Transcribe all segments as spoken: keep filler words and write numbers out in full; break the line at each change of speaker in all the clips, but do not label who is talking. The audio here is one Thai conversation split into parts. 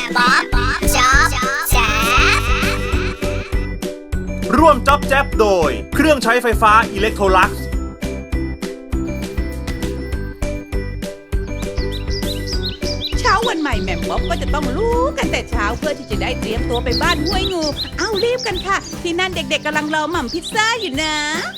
บ๊อบจ๊อบแจ๊บ
ร่วมจ๊อบแจ๊บโดยเครื่องใช้ไฟฟ้าอิเล็กโทรลักซ์
เช้าวันใหม่แหม่มบ๊อบก็จะต้องลุกกันแต่เช้าเพื่อที่จะได้เตรียมตัวไปบ้านห้วยงูเอ้ารีบกันค่ะที่นั่นเด็กๆกำลังรอหม่ำพิซซ่าอยู่นะ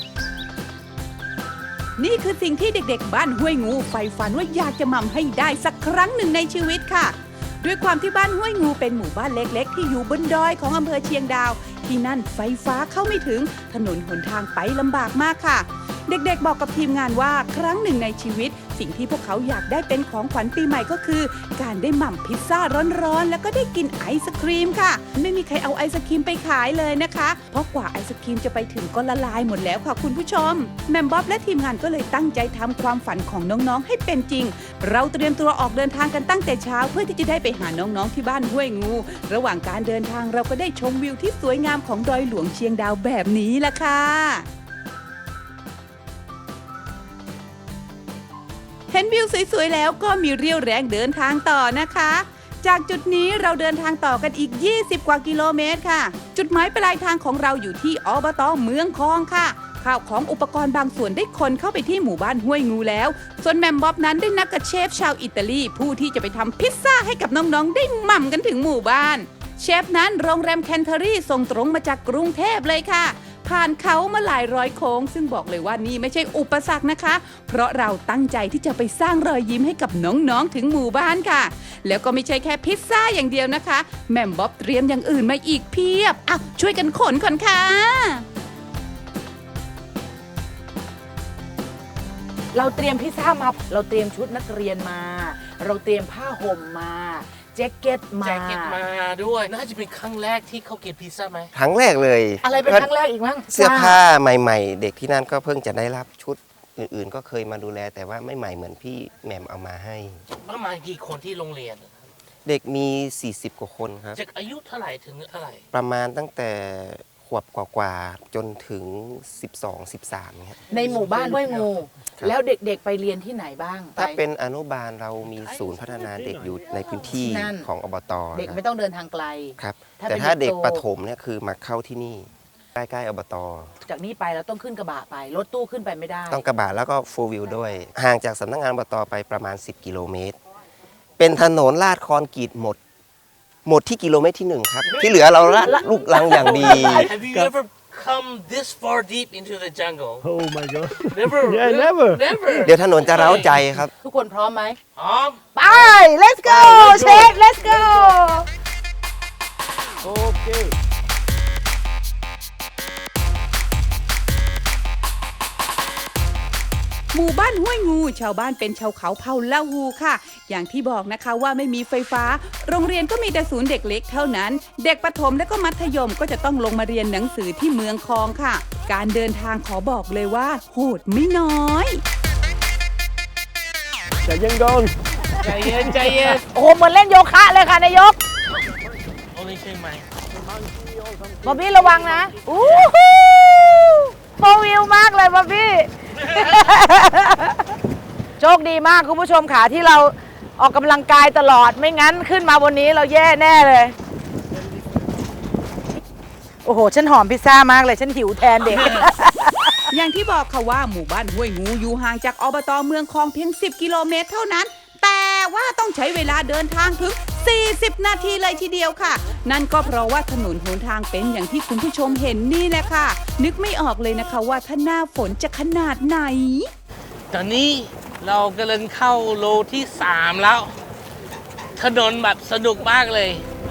นี่คือสิ่งที่เด็กๆบ้านห้วยงูใฝ่ฝันว่าอยากจะหม่ำให้ได้สักครั้งหนึ่งในชีวิตค่ะด้วยความที่บ้านห้วยงูเป็นหมู่บ้านเล็กๆที่อยู่บนดอยของอำเภอเชียงดาวที่นั่นไฟฟ้าเข้าไม่ถึงถนนหนทางไปลำบากมากค่ะเด็กๆบอกกับทีมงานว่าครั้งหนึ่งในชีวิตสิ่งที่พวกเขาอยากได้เป็นของขวัญปีใหม่ก็คือการได้หม่ำพิซซ่าร้อนๆแล้วก็ได้กินไอศครีมค่ะไม่มีใครเอาไอศครีมไปขายเลยนะคะเพราะกว่าไอศครีมจะไปถึงก็ละลายหมดแล้วค่ะคุณผู้ชมแหม่มบ๊อบและทีมงานก็เลยตั้งใจทำความฝันของน้องๆให้เป็นจริงเราเตรียมตัวออกเดินทางกันตั้งแต่เช้าเพื่อที่จะได้ไปหาน้องๆที่บ้านห้วยงูระหว่างการเดินทางเราก็ได้ชมวิวที่สวยงามของดอยหลวงเชียงดาวแบบนี้ล่ะค่ะเห็นวิวสวยๆแล้วก็มีเรี่ยวแรงเดินทางต่อนะคะจากจุดนี้เราเดินทางต่อกันอีกยี่สิบกว่ากิโลเมตรค่ะจุดหมายปลายทางของเราอยู่ที่อบต.เมืองคองค่ะข้าวของอุปกรณ์บางส่วนได้คนเข้าไปที่หมู่บ้านห้วยงูแล้วส่วนแหม่มบ๊อบนั้นได้นัดกับเชฟชาวอิตาลีผู้ที่จะไปทำพิซซ่าให้กับน้องๆได้หม่ำกันถึงหมู่บ้านเชฟนั้นโรงแรมแคนเทอรี่ส่งตรงมาจากกรุงเทพเลยค่ะผ่านเขามาหลายร้อยโค้งซึ่งบอกเลยว่านี่ไม่ใช่อุปสรรคนะคะเพราะเราตั้งใจที่จะไปสร้างรอยยิ้มให้กับน้องๆถึงหมู่บ้านค่ะแล้วก็ไม่ใช่แค่พิซซ่าอย่างเดียวนะคะแหม่มบ๊อบเตรียมอย่างอื่นมาอีกเพียบอ่ะช่วยกันขนก่อนค่ะ
เราเตรียมพิซซ่ามาเราเตรียมชุดนักเรียนมาเราเตรียมผ้าห่มมาแจ็คเก็ตมา
แจ็คเก็ตมาด้วยน่าจะเป็นครั้งแรกที่เขากินพิซซ่าไหม
ครั้งแรกเลย
อะไรเป็นครั้งแรกอีกมั้ง
เสื้อผ้าใหม่ๆเด็กที่นั่นก็เพิ่งจะได้รับชุดอื่นๆก็เคยมาดูแลแต่ว่าไม่ใหม่เหมือนพี่แหม่มเอามาให้
ประมาณกี่คนที่โรงเรียน
เด็กมีสี่สิบกว่าคนครับ
จากอายุเท่าไหร่ถึงเท่าไหร่
ประมาณตั้งแต่ขวบกว่าๆจนถึงสิบสอง สิบสามครับ
ในหมู่บ้านห้วยงูแล้วเด็กๆไปเรียนที่ไหนบ้าง
ถ้าเป็นอนุบาลเรามีศูนย์พัฒนาเด็กอยู่ในพื้นที่ของอบต.
เด็กไม่ต้องเดินทางไกล
ครับแต่ถ้าเด็กประถมเนี่ยคือมาเข้าที่นี่ใกล้ๆอบต.
จากนี้ไปเราต้องขึ้นกระบะไปรถตู้ขึ้นไปไม่ได้
ต้องกระบะแล้วก็โฟร์วิวด้วยห่างจากสำนักงานอบต.ไปประมาณสิบกิโลเมตรเป็นถนนลาดคอนกรีตหมดหมดที่กิโลเมตรที่หนึ่งครับที่เหลือเราลูกลังอย่างดี
Have you ever come this far deep into the jungle
Oh my god
Never
Yeah never
Never
เดี๋ยวถนนจะเร้าใจครับ
ทุกคนพร้อมไหม
พร้อม
ไป let's go เชฟ let's go
Okay
หมู่บ้านห้วยงูชาวบ้านเป็นชาวเขาเผ่าลาฮูค่ะอย่างที่บอกนะคะว่าไม่มีไฟฟ้าโรงเรียนก็มีแต่ศูนย์เด็กเล็กเท่านั้นเด็กประถมและก็มัธยมก็จะต้องลงมาเรียนหนังสือที่เมืองคองค่ะการเดินทางขอบอกเลยว่าโหดไม่น้อย
ใจเย็นก่อน
ใจเย็นใจเย็น
โอ้เหมือนเล่นโยคะเลยค่ะนายก
โอ้ยใช่ไหม
บอบบี้ระวังนะอู้หูโฟวิวมากเลยบอบบี้โชคดีมากคุณผู้ชมค่ะที่เราออกกำลังกายตลอดไม่งั้นขึ้นมาบนนี้เราแย่แน่เลยโอ้โหฉันหอมพิซซ่ามากเลยฉันหิวแทนเด็ก
อย่างที่บอกค่ะว่าหมู่บ้านห้วยงูอยู่ห่างจากอบต.เมืองคองเพียงสิบกิโลเมตรเท่านั้นแต่ว่าต้องใช้เวลาเดินทางถึงสี่สิบนาทีเลยทีเดียวค่ะนั่นก็เพราะว่าถนนหนทางเป็นอย่างที่คุณผู้ชมเห็นนี่แหละค่ะนึกไม่ออกเลยนะคะว่าถ้าหน้าฝนจะขนาดไหน
ตอนนี้เรากำลังเข้าโลที่สามแล้วถนนแบบสนุกมากเลย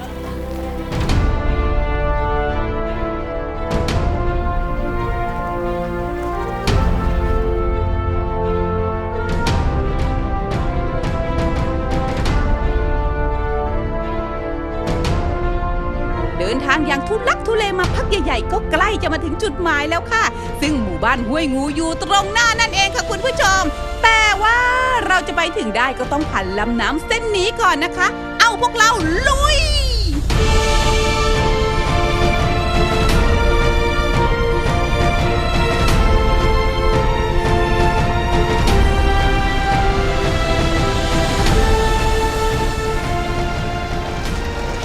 เดินทางอย่างทุลักทุเลมาพักใหญ่ๆก็ใกล้จะมาถึงจุดหมายแล้วค่ะซึ่งหมู่บ้านห้วยงูอยู่ตรงหน้านั่นเองค่ะคุณผู้ชมแต่ว่าเราจะไปถึงได้ก็ต้องผ่านลำน้ำเส้นนี้ก่อนนะคะเอาพวกเราลุย
ถ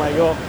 โยก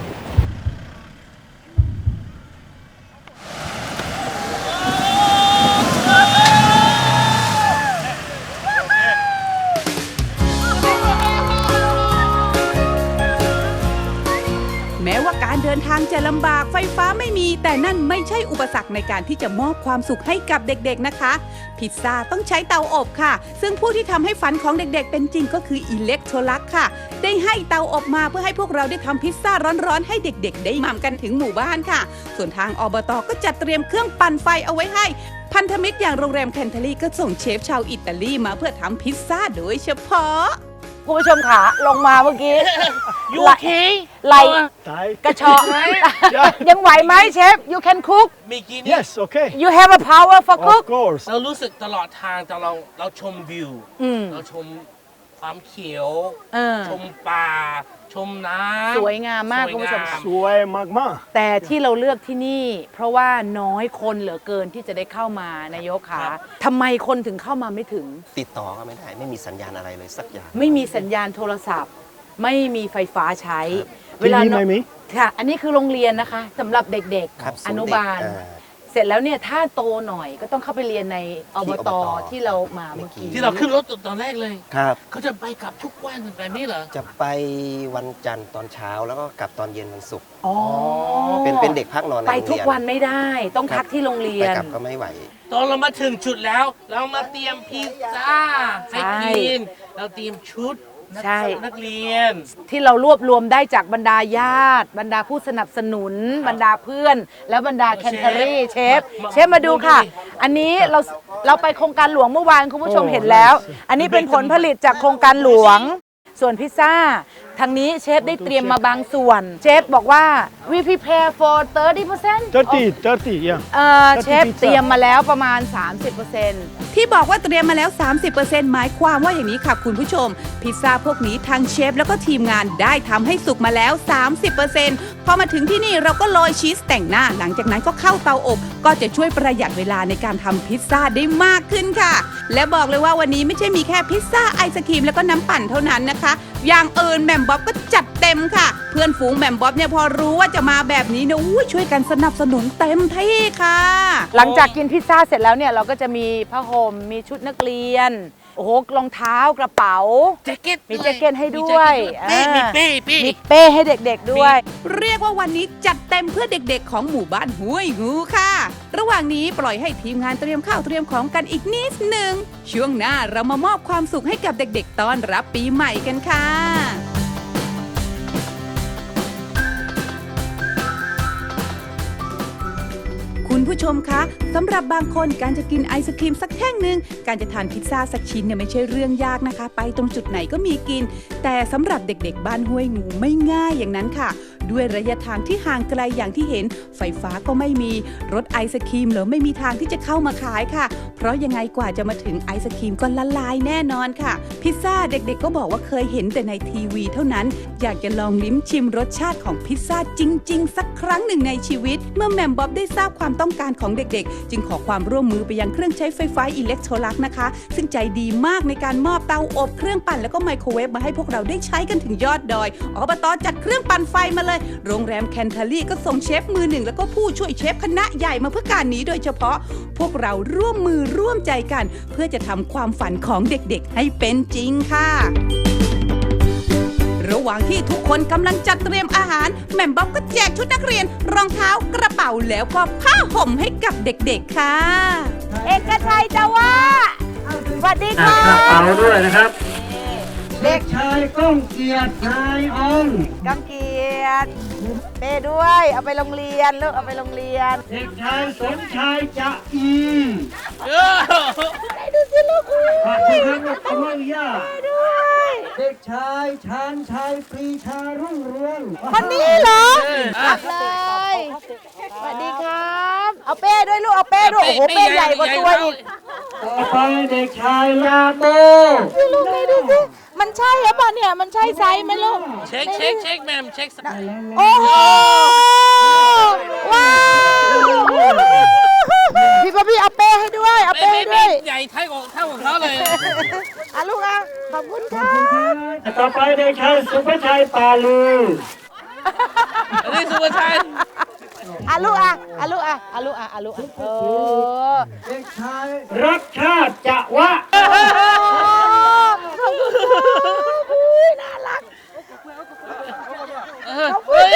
แม้ว่าการเดินทางจะลำบากไฟฟ้าไม่มี แต่นั่นไม่ใช่อุปสรรคในการที่จะมอบความสุขให้กับเด็กๆนะคะ พิซซ่าต้องใช้เตาอบค่ะ ซึ่งผู้ที่ทำให้ฝันของเด็กๆเป็นจริงก็คืออิเล็กโทรลักค่ะ ได้ให้เตาอบมาเพื่อให้พวกเราได้ทำพิซซ่าร้อนๆให้เด็กๆได้หม่ำกันถึงหมู่บ้านค่ะ ส่วนทางอบตก็จัดเตรียมเครื่องปั่นไฟเอาไว้ให้พันธมิตรอย่างโรงแรมแคนเทอรี่ก็ส่งเชฟชาวอิตาลีมาเพื่อทำพิซซ่าโดยเฉพาะ
คุณผู้ชมขาลงมาเมื่อกี้
ยูเค
ไหล
ตาย
กระชอกยังไหวไหมเชฟ you can cook
เมื่อกี้นี้
yes okay
you have a power for
of
cook
course
เรารู้สึกตลอดทางตอนเราเราชมวิว
อืม
เราชมความเขียว
เออ
ชมป่า ชมน้ำ
สวยงามมาก
สวย
คุณผู้ชม
งาม
สวยมาก
แต่ที่เราเลือกที่นี่ เพราะว่าน้อยคนเหลือเกินที่จะได้เข้ามานายกขาทำไมคนถึงเข้ามาไม่ถึง
ติดต่อก็ไม่ได้ไม่มีสัญญาณอะไรเลยสักอย่าง
ไม่มีสัญญาณโทรศัพท์ ไม่มีไฟฟ้าใช้
ๆที่นี่ไม่มี
ค่ะ อันนี้คือโรงเรียนนะคะสำหรับเด็ก
ครับ
ๆ อนุบาล
ศูนย์เด็กอ่า
เสร็จแล้วเนี่ยถ้าโตหน่อยก็ต้องเข้าไปเรียนในอบ
ที่
ต
อบต
ที่เรามาเมื่อกี้
ที่เราขึ้นรถตอนแรกเลย
ครับ
เขาจะไปกลับทุกวันแบบนี้เหรอ
จะไปวันจันทร์ตอนเช้าแล้วก็กลับตอนเย็นวันศุกร์
อ๋อ
เป็นเป็นเด็กพักนอนใน
ไป
โรงเรียน
ทุกวันไม่ได้ ต้องพักที่โรงเรีย
ไป
น
กลับก็ไม่ไหว
ตอนเรามาถึงจุดแล้ว เรามาเตรียมพิซซ่าให้
ใช่
กิน เราเตรียมชุดนัก
ใช่
นักเรียน
ที่เรารวบรวมได้จากบรรดาญาติ บรรดาผู้สนับสนุน บรรดาเพื่อน แล้วบรรดาแคนเทอรี่เชฟ
มา
เชฟมาดูค่ะ
ดูดิ
อันนี้เราเราไปโครงการหลวงเมื่อวานคุณผู้ชมเห็นแล้ว อันนี้เป็นผลผลิตจากโครงการหลวง ส่วนพิซซ่า ทางนี้เชฟได้เตรียมมาบางส่วน เชฟบอกว่า we prepare for thirty percent
thirty thirty yeah
เอ่อเชฟเตรียมมาแล้วประมาณ สามสิบเปอร์เซ็นต์
ที่บอกว่าเตรียมมาแล้ว สามสิบเปอร์เซ็นต์ หมายความว่าอย่างนี้ค่ะคุณผู้ชม พิซซ่าพวกนี้ทางเชฟแล้วก็ทีมงานได้ทำให้สุกมาแล้ว สามสิบเปอร์เซ็นต์ พอมาถึงที่นี่เราก็โรยชีสแต่งหน้า หลังจากนั้นก็เข้าเตาอบ ก็จะช่วยประหยัดเวลาในการทำพิซซ่าได้มากขึ้นค่ะ และบอกเลยว่าวันนี้ไม่ใช่มีแค่พิซซ่าไอศครีมแล้วก็น้ำปั่นเท่านั้นนะคะ อย่างอื่นแหม่มบ๊อบก็จัดเต็มค่ะ เพื่อนฝูงแหม่มบ๊อบเนี่ยพอรู้ว่าจะมาแบบนี้เนี่ยอู้ช่วยกันสนับสนุนเต็มที่ค่ะ
หลังจากกินพิซซ่าเสร็จแล้วเนี่ยเราก็จะมีผ้าห่มมีชุดนักเรียน โอ้โหรองเท้ากระเป๋า
แจ็คเก็ต
มีแจ็คเก็ตให้ด้วย
มีแจ็คเก็ตด้วย
อ่า
เป้มีเป้
มีเป้ให้เด็กๆด้วย
เรียกว่าวันนี้จัดเต็มเพื่อเด็กๆของหมู่บ้านห้วยงูค่ะ ระหว่างนี้ปล่อยให้ทีมงานเตรียมข้าวเตรียมของกันอีกนิดหนึ่ง ช่วงหน้าเรามามอบความสุขให้กับเด็กๆต้อนรับปีใหม่กันค่ะ คุณผู้ชมคะสำหรับบางคนการจะกินไอศครีมสักแท่งหนึ่งการจะทานพิซซ่าสักชิ้นเนี่ยไม่ใช่เรื่องยากนะคะ ไปตรงจุดไหนก็มีกิน แต่สำหรับเด็กๆบ้านห้วยงูไม่ง่ายอย่างนั้นค่ะ ด้วยระยะทางที่ห่างไกลอย่างที่เห็น ไฟฟ้าก็ไม่มีรถไอศครีมเหรอไม่มีทางที่จะเข้ามาขายค่ะ เพราะยังไงกว่าจะมาถึงไอศครีมก็ละลายแน่นอนค่ะ พิซซ่าเด็กๆก็บอกว่าเคยเห็นแต่ในทีวีเท่านั้น อยากจะลองลิ้มชิมรสชาติของพิซซ่าจริง ๆ สักครั้งหนึ่งในชีวิต เมื่อแหม่มบ๊อบได้ทราบความต้องการของเด็กๆ จึงขอความร่วมมือไปยังเครื่องใช้ไฟฟ้าอิเล็กโทรลักนะคะ ซึ่งใจดีมากในการมอบเตาอบเครื่องปั่นแล้วก็ไมโครเวฟมาให้พวกเราได้ใช้กันถึงยอดดอยอบตจัดเครื่องปั่นไฟมาเลยโรงแรมแคนเทอรี่ก็ส่งเชฟมือหนึ่งแล้วก็ผู้ช่วยเชฟคณะใหญ่มาเพื่อการนี้โดยเฉพาะ พวกเราร่วมมือร่วมใจกัน เพื่อจะทำความฝันของเด็กๆให้เป็นจริงค่ะ ระหว่างที่ทุกคนกำลังจัดเตรียมอาหารแหม่มบ๊อบก็แจกชุดนักเรียน รองเท้ากระเป๋าแล้วก็ผ้าห่มให้กับเด็กๆค่ะ
เอกชัยจะว่าสวัสดีค่ะ
กระเป๋าด้วยนะครับ
เด็ก
ชายก้องเกียรตินายออน
กังเกียรติเป้ด้วย เอาไปโรงเรียนลูกเอาไปโรงเรียน
เด็กชายสมชายจะอี
เออ
ดูสิลูกอุ้ย
ขอบคุณครับขอบคุณย่า
ด้วย
เด็กชายชาญชัยปรีชารุ่งเรือง
คนนี้เหรอ
เออ
รับเลยสวัสดีครับ เอาเป้ด้วยลูกเอาเป้ด้วยโอ้โหเป้ใหญ่กว่าตัวอีก
ต่อไปเด็กชายลาโต
ดูลูกเป้ดูสิมันใช่หรือเปล่าเนี่ยมันใช่ไซส์ไหมลูก
เช็คเช็คเช็คแมมเช็ค
โอ้โหว้าวพี่ป๊อปปี้เอาเป้ให้ด้วยเอา
ไม่
เป้
ไม่
ให้
ไม่
ด้วย
ใหญ่เท่าของเท่าของเขาเลย
อ่ะลูกอ่ะขอบคุณค่ะ
ต่อไปเด็กชายสุภชัยปาลือ
อันนี้สุภาชัย
อาลูกอ่ะอาลูกอ่ะอาลูกอ่ะอาลูกอ่ะเออ
เด็กชายรักชาติจะวะ
น่ารัก
เฮ้ย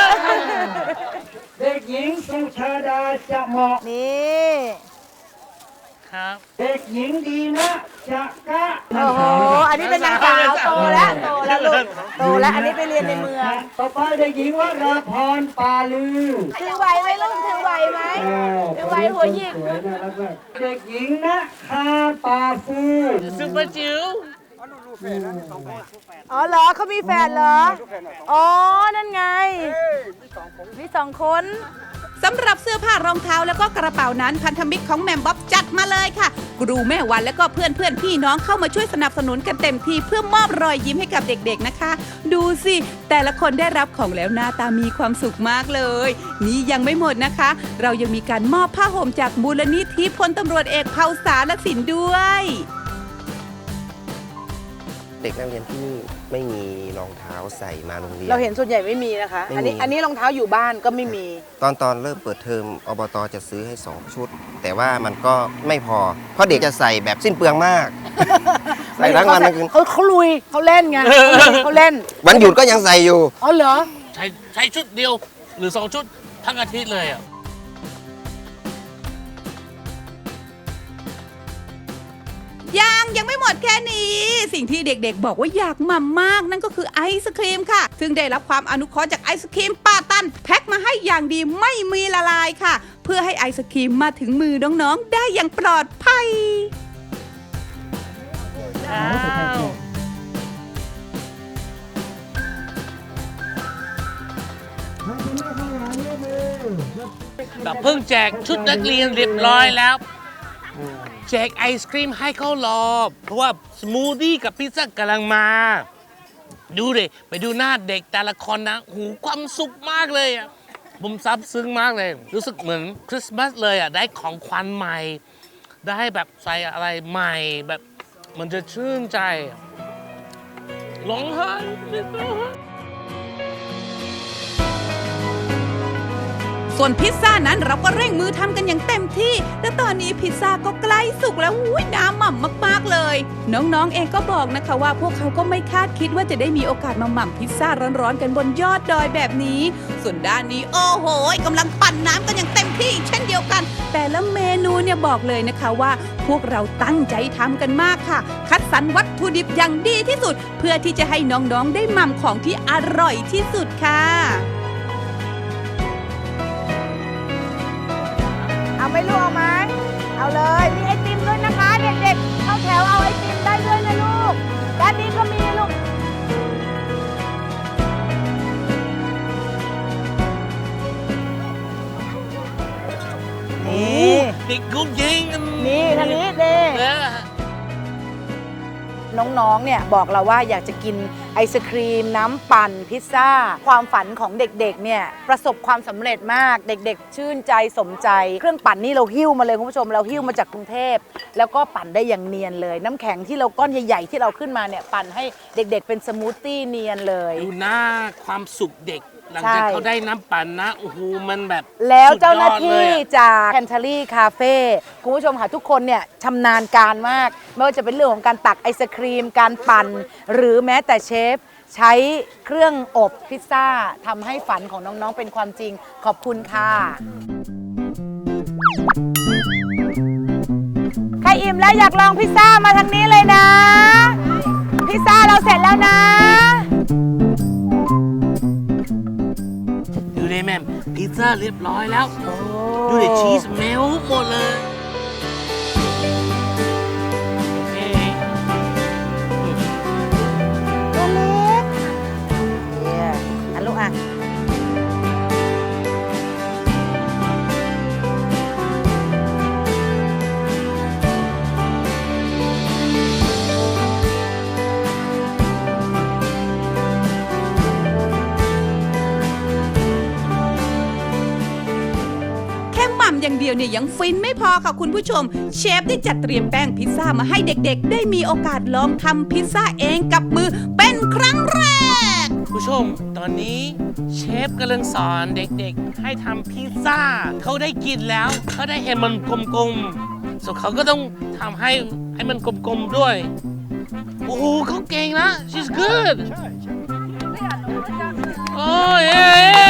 เด็กหญิงสุชาดาจะเหมาะ
นี่
ครับ
เด็กหญิงดีนะจะกะ
โอ้โหอันนี้เป็นนางสาวโตแล้วโตแล้วลูกโตแล้วอันนี้ไปเรียนในเมือง
ต่อไปเด็กหญิงวราพรปาลือ
ถือไหวไหมลูกถือไหวไหม ถือไหวหัวหยิก
สวยน่ารักมากเด็กหญิงนะคาปาฟู
ซุปเปอร์จิ๋ว
อ๋อเหรอเขามีแฟนเหรอ อ๋อ นั่นไง มีสองคน
สำหรับเสื้อผ้ารองเท้าแล้วก็กระเป๋านั้นพันธมิตรของแหม่มบ๊อบจัดมาเลยค่ะครูแม่วันแล้วก็เพื่อนเพื่อนพี่น้องเข้ามาช่วยสนับสนุนกันเต็มที่เพื่อมอบรอยยิ้มให้กับเด็กๆนะคะ ดูสิแต่ละคนได้รับของแล้วหน้าตามีความสุขมากเลย นี่ยังไม่หมดนะคะ เรายังมีการมอบผ้าห่มจากมูลนิธิพลตำรวจเอกเผ่าสารสินด้วย
เด็กนักเรียนที่นี่ไม่มีรองเท้าใส่มาโรงเรียน
เราเห็นส่วนใหญ่ไม่มีนะคะ
ไม่มี
อันนี้อันนี้รองเท้าอยู่บ้านก็ไม่มี
ตอนตอนเริ่มเปิดเทอมอบตจะซื้อให้สองชุด แต่ว่ามันก็ไม่พอ เพราะเด็กจะใส่แบบสิ้นเปลืองมาก ใส่ทั้งวันทั้งคืน
เขาเขาลุยเขาเล่นไงเขาเล่น
วันหยุดก็ยังใส่อยู่
อ๋อเหรอ
ใช้ใช้ชุดเดียว หรือสองชุดทั้งอาทิตย์เลยอ่ะ
ยังยังไม่หมดแค่นี้ สิ่งที่เด็กๆบอกว่าอยากมามากนั่นก็คือไอศครีมค่ะ ซึ่งได้รับความอนุเคราะห์จากไอศครีมป้าตันแพ็คมาให้อย่างดีไม่มีละลายค่ะ เพื่อให้ไอศครีมมาถึงมือน้องๆได้อย่างปลอดภัย
แบบเพิ่งแจกชุดนักเรียนเรียบร้อยแล้ว แจกไอศครีมให้เขารอ เพราะว่าสมูทตี้กับพิซซ่ากำลังมา ดูดิไปดูหน้าเด็กแต่ละคนนะหูความสุขมากเลยอ่ะผมซับซึ้งมากเลย รู้สึกเหมือนคริสต์มาสเลยอ่ะได้ของขวัญใหม่ ได้แบบใส่อะไรใหม่แบบมันจะชื่นใจร้องไห้ร้องไห้
ส่วนพิซซ่านั้นเราก็เร่งมือทำกันอย่างเต็มที่ และตอนนี้พิซซ่าก็ใกล้สุกแล้วอุ้ยน้ำหม่ำมากๆเลย น้องๆเองก็บอกนะคะว่าพวกเขาก็ไม่คาดคิดว่าจะได้มีโอกาสมาหม่ำพิซซ่าร้อนๆกันบนยอดดอยแบบนี้ ส่วนด้านนี้โอ้โหกำลังปั่นน้ำกันอย่างเต็มที่เช่นเดียวกัน แต่ละเมนูเนี่ยบอกเลยนะคะว่า พวกเราตั้งใจทำกันมากค่ะ คัดสรรวัตถุดิบอย่างดีที่สุด เพื่อที่จะให้น้องๆได้หม่ำของที่อร่อยที่สุดค่ะ
เอาไหม่ลูกเอาไหมเอาเลย มีไอติมด้วยนะคะ เด็กๆ เข้าแถวเอาไอติมได้ด้วยนะลูก ด้านนี้ก็มีลูก นี่
เด็กกุ๊กยิง
นี่ทางนี้เด้
เออ
น้องๆ เนี่ยบอกเราว่าอยากจะกินไอศครีม น้ำปั่นพิซซ่า ความฝันของเด็กๆ เนี่ยประสบความสำเร็จมาก เด็กๆ ชื่นใจสมใจ เครื่องปั่นนี่เราหิ้วมาเลยคุณผู้ชม เราหิ้วมาจากกรุงเทพ แล้วก็ปั่นได้อย่างเนียนเลย น้ำแข็งที่เราก้อนใหญ่ๆ ที่เราขึ้นมาเนี่ยปั่นให้เด็กๆ เป็นสมูทตี้เนียนเลย
ดูหน้าความสุขเด็ก หลัง
ใช่
จากเขาได้น้ำปั่นนะ โอ้โห มันแบบ
แล้วเจ้าหน้า
สุดยอด
ที่
เลยอะ
จากแคนทารี่คาเฟ่คุณผู้ชมค่ะทุกคนเนี่ยชำนาญการมาก ไม่ว่าจะเป็นเรื่องของการตักไอศครีม การปั่น หรือแม้แต่เชฟ ใช้เครื่องอบพิซซ่าทำให้ฝันของน้อง ๆ เป็นความจริงขอบคุณค่ะ ใครอิ่มแล้วอยากลองพิซซ่ามาทางนี้เลยนะ พิซซ่าเราเสร็จแล้วนะ
ดูดิแม่มพิซซ่าเรียบร้อยแล้ว ดูดิชีสเมลหมดเลยโอเค
ตัวเล็กเนี่ยอันลูกอ่ะ
แค่หม่ำอย่างเดียวเนี่ยยังฟินไม่พอค่ะคุณผู้ชม เชฟได้จัดเตรียมแป้งพิซซ่ามาให้เด็กๆ ได้มีโอกาสลองทำพิซซ่าเองกับมือเป็นครั้งแรก
ผู้ชมตอนนี้เชฟกำลังสอนเด็กๆให้ทำพิซซ่าเขาได้กินแล้วเขาได้เห็นมันกลมๆ so เขาก็ต้องทำให้ให้มันกลมๆด้วย โอ้โหเขาเก่งนะ she's good โอ้ยเย้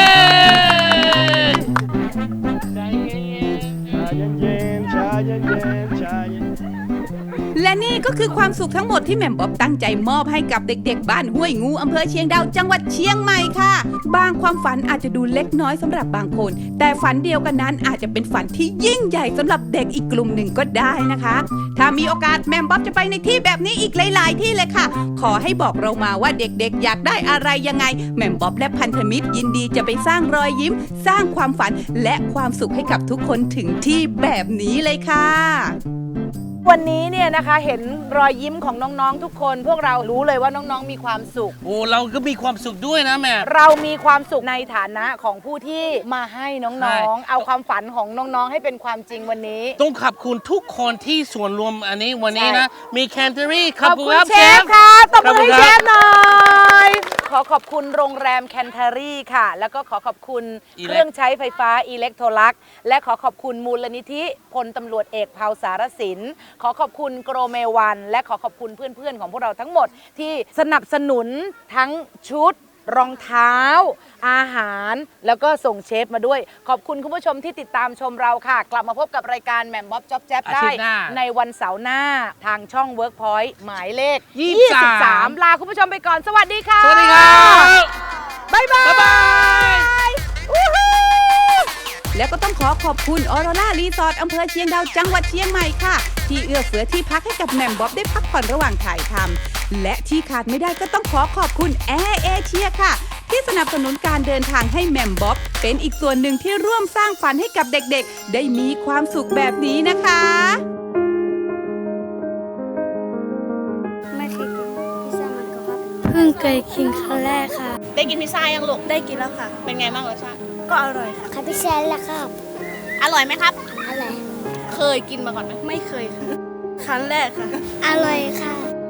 ใจเย็นๆ
ชาเย็นๆชาเย็น
และนี่ก็คือความสุขทั้งหมดที่แหม่มบ๊อบตั้งใจมอบให้กับเด็กๆบ้านห้วยงูอำเภอเชียงดาวจังหวัดเชียงใหม่ค่ะ บางความฝันอาจจะดูเล็กน้อยสำหรับบางคน แต่ฝันเดียวกันนั้นอาจจะเป็นฝันที่ยิ่งใหญ่สำหรับเด็กอีกกลุ่มหนึ่งก็ได้นะคะ ถ้ามีโอกาสแหม่มบ๊อบจะไปในที่แบบนี้อีกหลายๆที่เลยค่ะ ขอให้บอกเรามาว่าเด็กๆอยากได้อะไรยังไงแหม่มบ๊อบและพันธมิตรยินดีจะไปสร้างรอยยิ้ม สร้างความฝันและความสุขให้กับทุกคนถึงที่แบบนี้เลยค่ะ
วันนี้เนี่ยนะคะเห็นรอยยิ้มของน้องๆทุกคน พวกเรารู้เลยว่าน้องๆมีความสุข
โอ้เราก็มีความสุขด้วยนะแม่
เรามีความสุขในฐานะของผู้ที่มาให้
ใช่
น้องๆ เอาความฝันของน้องๆ ให้เป็นความจริงวันนี้
ต้องขอบคุณทุกคนที่ส่วนรวมอันนี้วันนี้นะ มีแคนเทอรี่
ขอบคุณเชฟค่ะตบมือให้เชฟหน่อย ขอขอบคุณโรงแรมแคนเทอรี่ค่ะ แล้วก็ขอขอบคุณเครื่องใช้ไฟฟ้าอิเล็กโทรลักและขอขอบคุณมูลนิธิพลตำรวจเอกเผาสารสินขอขอบคุณโกรเมวันและขอขอบคุณเพื่อนๆของพวกเราทั้งหมดที่สนับสนุนทั้งชุดรองเท้า อาหารแล้วก็ส่งเชฟมาด้วย ขอบคุณคุณผู้ชมที่ติดตามชมเราค่ะ กลับมาพบกับรายการแหม่มบ๊อบจ๊อบแจ๊บได้
อาทิตย์หน้า
ในวันเสาร์หน้าทางช่อง Workpoint หมายเลข
ยี่สิบสาม
ลาคุณผู้ชมไปก่อนสวัสดีค่ะ
สวัสดีครับ
บ๊ายบาย
บ๊ายบาย
อู้หู
แล้วก็ต้องขอขอบคุณออโรรารีสอร์ทอำเภอเชียงดาวจังหวัดเชียงใหม่ค่ะ ที่เอื้อเฟื้อที่พักให้กับแหม่มบ๊อบได้พักผ่อนระหว่างถ่ายทำและที่ขาดไม่ได้ก็ต้องขอขอบคุณแอร์เอเชียค่ะ ที่สนับสนุนการเดินทางให้แหม่มบ๊อบเป็นอีกส่วนหนึ่งที่ร่วมสร้างฝันให้กับเด็กๆ ได้มีความสุขแบบนี้นะคะ
ไม่เคยกินพิซซ่ามันก็ครับ
เพิ่งเคยกินครั้งแรกค่ะ
ได้กินพิซซ่ายังลูก
ได้กินแล้วค่ะ
เป็นไงบ้างรสชาติ
ก็อร่อยค่ะ
คาพิซซ่าแล้วครับ
อร่อยไหมครับ
อะไร
เคยกินมาก่อนไหม
ไม่เคยค่ะ ครั้งแรกค่ะ
อร่อยค่ะ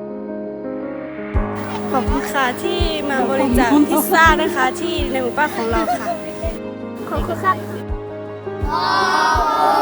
ขอบคุณค่ะที่มาบริจาคพิซซ่านะคะที่ในหมู่บ้านของเราค่ะ
ขอบคุณครับ